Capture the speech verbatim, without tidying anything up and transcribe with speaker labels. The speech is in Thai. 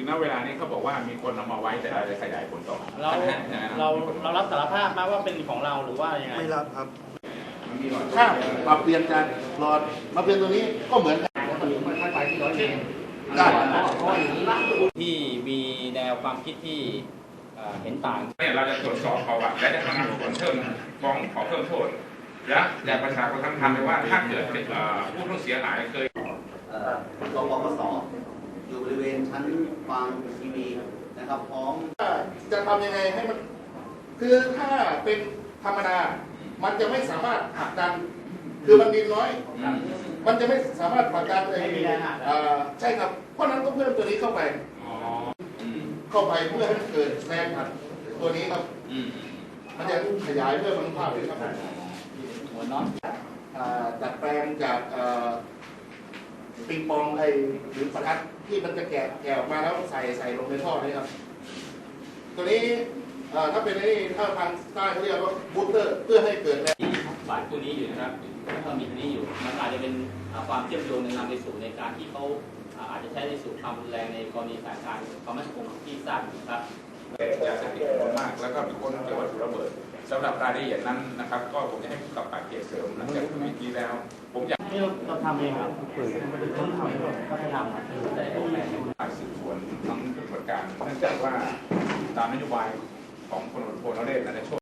Speaker 1: ณเวลานี้เขาบอกว่ามีคนเอามาไว้แต่เราจะขยายผลต่อ
Speaker 2: เราเราเรารับสารภาพมาว่าเป็นของเราหรือว่ายังไง
Speaker 3: ไม่รับครับ
Speaker 4: ถ้าปรับเปลี่ยนจากหลอดมาเป็นตัวนี้ก็เหมือนกันได้
Speaker 2: ที่มีแนวความคิดที่เห็นต่าง
Speaker 1: เนี่ยเราจะตรวจสอบประวัติและจะทำผลเพิ่มฟ้องขอเพิ่มโทษและอยากประชาชนทั้งทำเลยว่าถ้าเกิดผู้ต้องเสียหายเคย
Speaker 5: รปปสอยู่บริเวณชั้นวางทีวีนะครับพร้อม
Speaker 4: จะทำยังไงให้มันคือถ้าเป็นธรรมดามันจะไม่สามารถผลักดันคือมันดินน้อยมันจะไม่สามารถผลักดันเลยใช่ครับเพราะนั้นก็เพิ่มตัวนี้เข้าไปเข้าไปเพื่อให้เกิดแรงอัดตัวนี้ครับมันจะขยายเพิ่มอนุภาพเลยครับ
Speaker 2: หัวน็อต
Speaker 4: ดัดแปลงจากปิงปองไอหรือประทัดที่มันจะแกะแกะออกมาแล้วใส่ใส่ลงในท่อนี่ครับตัวนี้ถ้าเป็นนี่ถ้าทางใต้เขาเรียกว่าบูสเตอร์เพื่อให้เกิดแรง
Speaker 2: บาดตัวนี้อยู่นะครับถ้ามีตัวนี้อยู่มันอาจจะเป็นความเชื่อมโยงในนำไปสู่ในการที่เขาอาจจะใช้ในสู่ความรุนแรงในกรณีสถานการณ์ความมั่นคงที่ทราบครับ
Speaker 1: ยาเสพติดจำนวนมากแล้วก็มีคนเกี่ยวกับระเบิดสำหรับรายละเอียดนั้นนะครับก็ผมจะให้ผู้กำกับเกียรติเสริมหลังจากเมื่อกี้แล้วผมอยาก
Speaker 2: นี่เราทำเองครับต้องทำก็ให้ทำแต่ต้องแบ่ง
Speaker 1: ฝ่ายสืบสวนทั้งปฏิบัติการเนื่องจากว่าตามนโยบายของพลตำรวจโทนเรศในช่วง